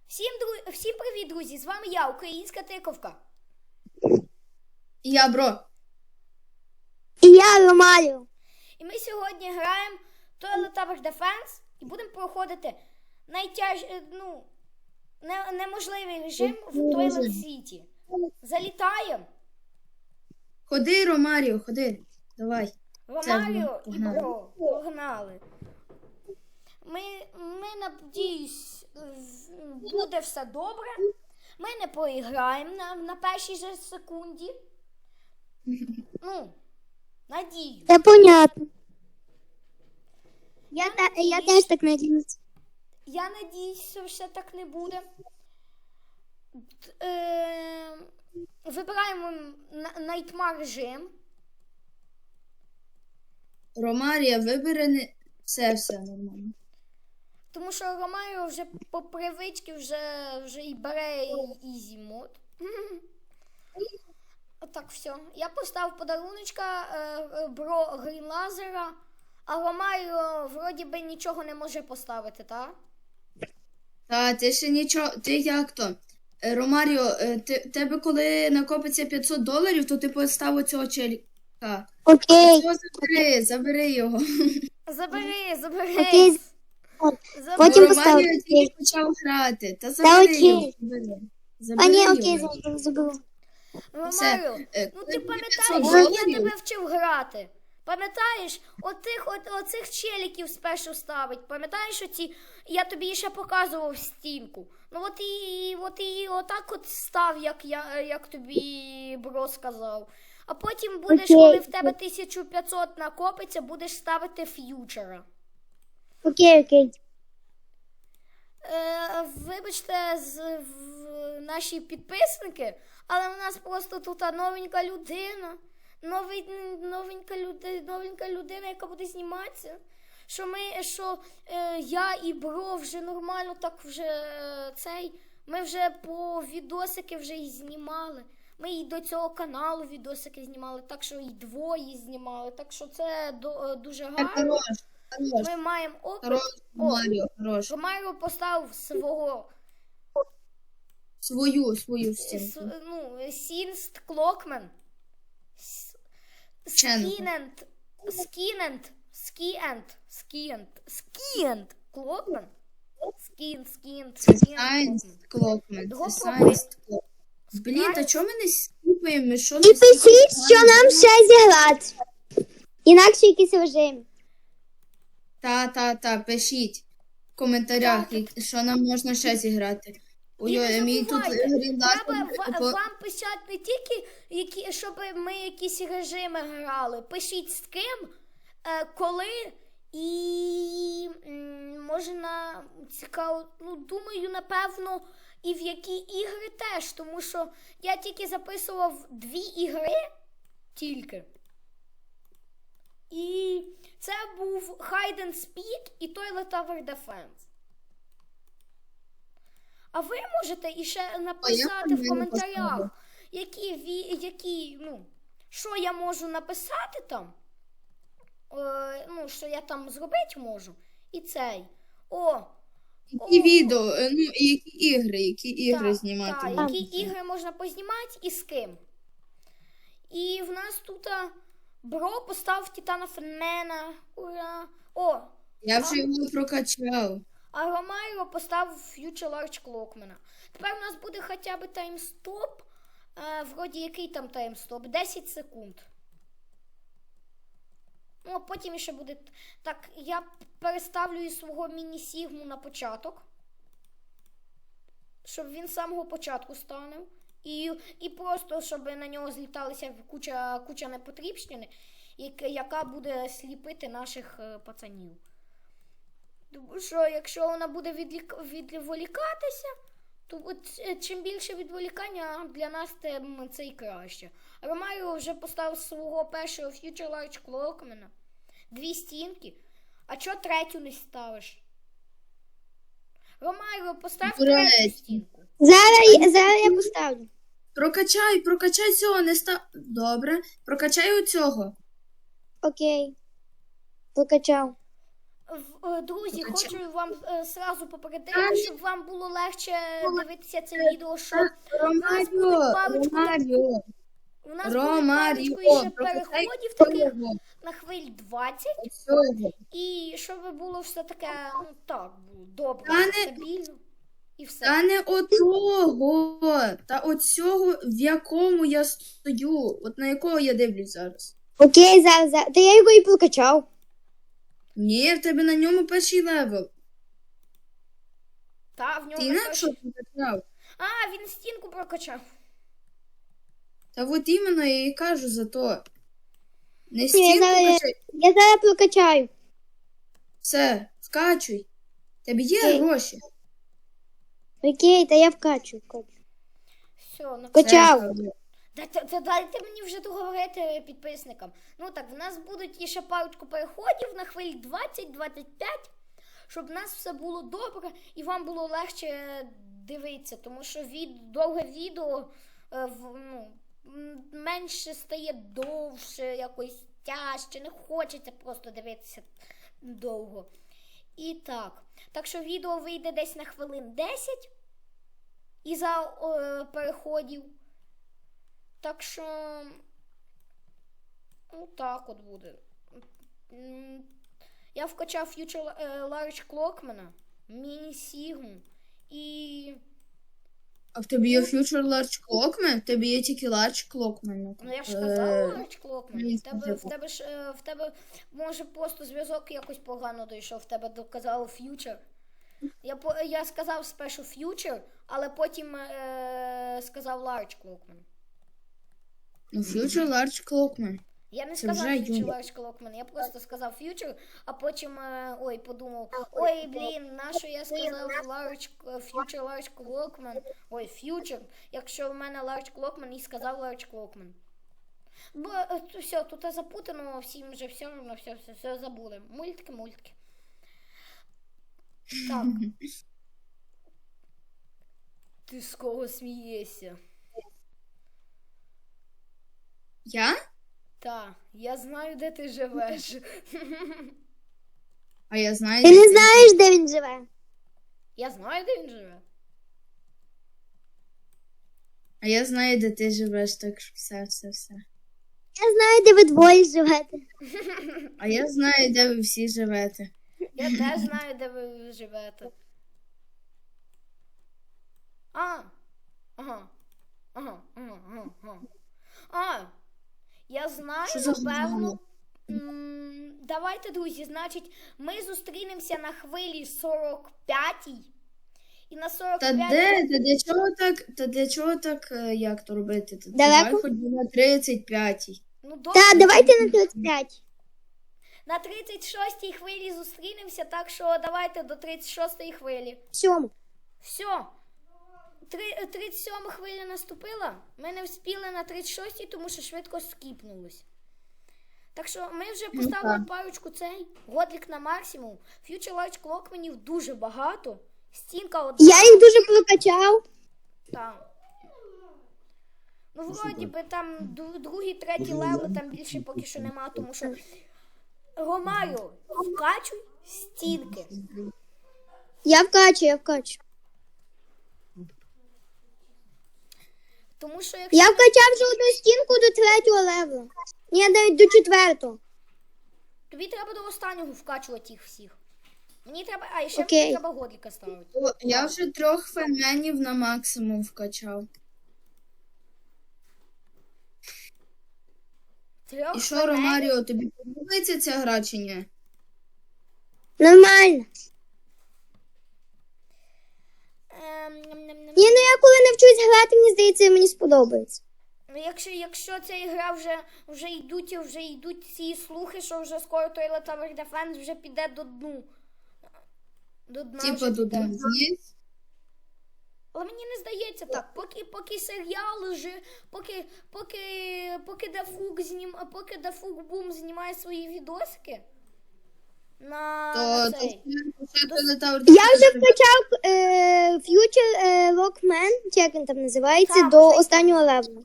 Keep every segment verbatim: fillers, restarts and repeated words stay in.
Всім, дру... Всім привіт, друзі! З вами я, Українська Тиковка. І я, бро. І я, Ромаріо. І ми сьогодні граємо Toilet Tower Defense і будемо проходити найтяж... ну, не... неможливий режим в Toilet City. Залітаємо. Ходи, Ромаріо, ходи. Давай. Ромаріо і Погнали. Бро. Погнали. Ми, ми надіюсь, буде все добре. Ми не проіграємо на, на першій же секунді. Ну, надію. Це понятно. Я, та, я теж так надіюсь. Я надіюсь, що все так не буде. Е, вибираємо Nightmare режим. Ромарія, вибери не... Все, все нормально. Тому що Ромаріо вже по привичці вже, вже і бере ізі мод. Отак, все. Я поставив подаруночка е, бро Грін Лазера, а Ромаріо вроді би нічого не може поставити, так? Та, ти ще нічого... Ти як то? Е, Ромаріо, е, ти, тебе коли накопиться п'ятсот доларів, то ти поставив цього челіка. Окей. Цього забери, забери його. Забери, забери. Окей. Забери. Потім Ромаріо поставити. тільки почав грати. Та забери окей. його. Забери. А Забери ні, його. окей, забула. забула. Ромаріо, Е, ну коли ти буде пам'ятаєш, п'ятсот як я доларів, тебе вчив грати? Пам'ятаєш, отих, от, оцих челіків спершу ставить. Пам'ятаєш оці, я тобі ще показував стінку. Ну от і, от і отак от став, як, я, як тобі бро сказав. А потім будеш, Окей. коли в тебе тисяча п'ятсот накопиться, будеш ставити ф'ючера. Окей, окей. Е, вибачте, з, в, наші підписники, але в нас просто тут новенька людина. Новий, новенька, люди, новенька людина, яка буде зніматися. Що ми, що е, я і бро вже нормально так вже е, цей. Ми вже по відосики вже і знімали. Ми і до цього каналу відосики знімали, так що і двоє знімали. Так що це до, дуже Так, гарно. хорош, хорош. Ми маємо опит. Хорош, О, Ромаріо, хорош. Ромаріо поставив свого Свою, свою с, стінку. ну, Сінст Клокмен. Ченко. Скінент. Скінент. Скіент. Скіент. Скіент. Клокмен. Скін, скін, Це скін. Science Clockman. Його Це пробуй. Science Clockman. Блін, та чого ми не скіпаємо? Ми що І не пишіть, що нам ще зіграти. Інакше якийсь режим. Та, та, та, пишіть в коментарях, Так. як- що нам можна ще зіграти. І Ой, не ой, мій тут забувайте, грінлайт. треба ва- вам писати не тільки, які, щоб ми якісь режими грали. Пишіть з ким, е, коли і м, можна цікаво, ну думаю, напевно, і в які ігри теж, тому що я тільки записував дві ігри тільки. І це був Hide and Speak і Toilet Tower Defense. А ви можете іще написати в мені коментарях, поставлю. які, ві- які, ну, що я можу написати там, е, ну, що я там зробити можу, і цей. О, Які О. відео, е, ну, і які ігри, які ігри так, знімати так, можна. які ігри можна познімати і з ким. І в нас тут а, бро поставив Титана Фенмена. Ура! О, Я вже його прокачав. а Ромайро поставив Future Large Clockman. Тепер у нас буде хоча б таймстоп. Е, вроді який там таймстоп? десять секунд. Ну, а потім ще буде. Так, я переставлю із свого міні-сігму на початок. Щоб він з самого початку станув. І, і просто, щоб на нього зліталися куча, куча непотрібщини, яка, яка буде сліпити наших е, пацанів. Тому що якщо вона буде відлік... відволікатися, то от, е, чим більше відволікання для нас, тим це і краще. Ромаріо вже поставив свого першого Future Large Clockman. Дві стінки. А чого третю не ставиш? Ромаріо, постав Дурець. третю стінку. Зараз, зараз я поставлю. Прокачай, прокачай цього, не став. Добре. Прокачай у цього. Окей. Покачав. В- е, Друзі, А хочу вам е, сразу попередити, Та ні. щоб вам було легше дивитися це відео, що Ромаріо, парочку там- Ромаріо, у нас буде Ромаріо, парочку ще прочитай переходів таких цього, на хвиль двадцять. цього. І щоб було все таке, ну так, було добре, Та не- стабільно. І все. Та не отого, та оцього, в якому я стою, от на якого я дивлюсь зараз. Окей, зараз, зараз. Та я його і прокачав. Ні, в тебе на ньому перший левел. Та, в нього Ти інакше також- покачав. А, він стінку прокачав. Та от іменно я і кажу за то. Не я стінку зараз- качай. Я зараз прокачаю. Все, вкачуй. Тебе є Окей. гроші. Окей, та я вкачу. вкачу. Все, на Качав. Все, Дайте, та дайте мені вже договорити підписникам. Ну так, в нас будуть іще парочку переходів на хвилі двадцять двадцять п'ять, щоб в нас все було добре і вам було легше дивитися, тому що від, довге відео е, в, ну, м, менше стає довше, якось тяжче, не хочеться просто дивитися довго. І так. Так що відео вийде десь на хвилин десять із-за е, переходів. Так що, ну так от буде. М, Я вкачав Future е, Large Clockman, Mini Sigma і, А в тебе є Future Large Clockman? В тебе є тільки Large Clockman. ну я ж Е, сказав Large Clockman. мені В тебе, в сказав. тебе ж, е, в тебе, може, просто зв'язок якось погано дійшов, в тебе доказав Future. Я, по- я сказав спершу Future, але потім е, сказав Large Clockman. Ну, Future Large Clockman. Я не Це сказав вже Future Юля. Large Clockman, я просто сказав Future, а потім е, ой, подумав, ой, блін, нащо я сказав Large, е, Future Large Clockman, ой, Future, якщо в мене Large Clockman і сказав Large Clockman. Бо е, то все, тут запутано, всім вже все одно, все, все, все забули. Мультики, мультики. Так. Ти з кого смієшся? Я? Та, я знаю, де ти живеш. А я знаю. Ти не знаєш, де він живе. Я знаю, де він живе. А я знаю, де ти живеш, так що все, все, все. Я знаю, де ви двоє живете. А я знаю, де ви всі живете. Я теж знаю, де ви живете. А. Ага. Ага. Ага. Ага. ага. А. Я знаю, Що за напевно. м, Давайте, друзі, значить, ми зустрінемося на хвилі сорок п'ятій. І на сорок Та п'ятій... де? Та для чого так? Та для чого так, е, як то робити? Та Далеко? Давай хоч би на тридцять п'ятій. Ну, добре. Та, давайте на тридцять п'ять. На тридцять шостій хвилі зустрінемося, так що давайте до тридцять шостої хвилі. Сьому. Все. Три- тридцять сьома хвиля наступила. Ми не вспіли на тридцять шостій, тому що швидко скіпнулось. Так що ми вже Ну, поставили так. парочку цей. Годлік на максимум. Future Large Clockmanів дуже багато. Стінка одна. Я їх дуже прокачав. Там. Ну, вроді би там дру- другий, третій левел, там більше поки що нема, тому що Ромаріо, вкачуй стінки. Я вкачу, я вкачу. Тому що якщо Я вкачав вже одну стінку до третього левела. Ні, навіть до четвертого. тобі треба до останнього вкачувати їх всіх. Мені треба. А, і ще Окей. мені треба годліка ставити. О, я вже трьох феменів на максимум вкачав. Трьох І що, фенелів. Ромаріо, тобі подобається ця гра чи ні? Нормально. Ем, ням-ням-ням. Ні, ну я коли навчусь грати, мені здається, мені сподобається. Ну, Якщо, якщо ця ігра вже, вже йдуть, вже йдуть ці слухи, що вже скоро Toilet Tower Defense вже піде до дну. До дна вже Типа тут піде. з'їсть. Але мені не здається так. Поки, поки серіал вже, поки, поки, поки Дафук знім, поки Дафук Бум знімає свої відосики на, на То, то, цей. ще Toilet Tower Я вже вкачав е, Future е, Lockman, чи як він там називається, Так, до вже останнього левела.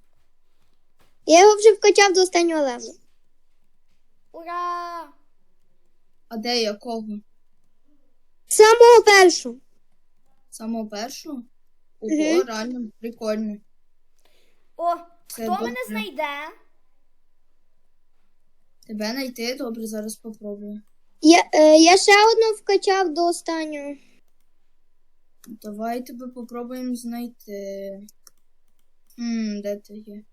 Я його вже вкачав до останнього левела. Ура! А де якого? Самого першого. Самого першого? Ого, Мгм. реально прикольно. О, Це хто добре. мене знайде? Тебе знайти? Добре, зараз попробую. Я, е, я ще одну вкачав до останнього. Давай тебе попробуємо знайти. Хм, де ти є?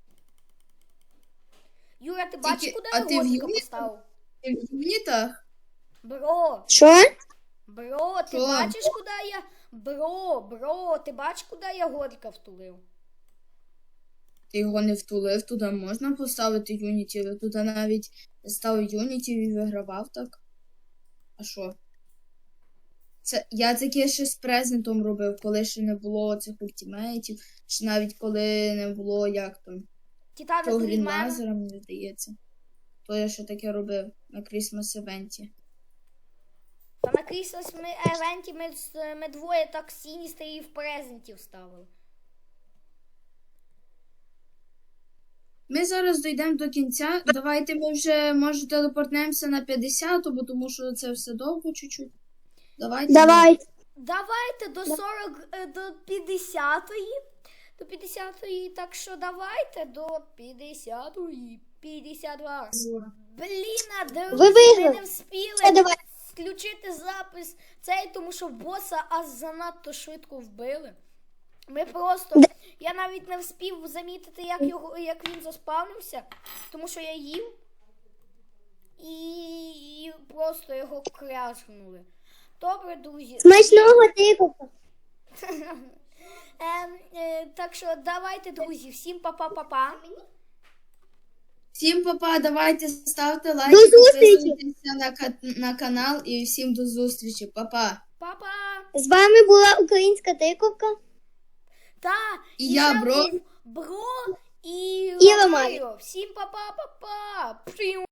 Юра, ти бачиш, Тільки- куди а я ти в Годика Юрі? поставив? Ти в юнітах? Бро, Що? бро, ти Що? бачиш, куди я. Бро, бро, ти бачиш, куди я Годика втулив? Ти його не втулив, туди можна поставити юніті, але туди навіть став юніті і вигравав так. А що? Це, я таке ще з презентом робив, коли ще не було цих ультимейтів, чи навіть коли не було як там. Титана Того від мене. Грінлазера, мені здається. То я ще таке робив на Крісмас евенті. Та на Кріслес ми евенті ми, з- ми двоє так сіністер і в презентів ставили. Ми зараз дійдемо до кінця. Давайте ми вже, може, телепортнемося на п'ятдесяту, бо тому що це все довго чуть-чуть. Давайте. Давай. Давайте до сорок, е, до п'ятдесятої. До п'ятдесятої, так що давайте до п'ятдесятої. п'ятдесят два. Блін, а де Ви ми виграли. не вспіли Все, давай. включити запис цей, тому що боса аж занадто швидко вбили. Ми просто. Я навіть не вспів замітити, як його, як він заспавнився, тому що я їв і, і просто його кряшнули. Добре, друзі. Смачного тикавка. Ем, е, так що давайте, друзі, всім па-па-па-па. Всім папа, давайте ставте лайки, До зустрічі! підписуйтеся на, ка- на канал і всім до зустрічі. Папа. Па-па. З вами була українська тиковка. Та, І я, ще бро. був Бро і І Ромаріо. Ромаріо. Всім па-па-па-па. Пшиу.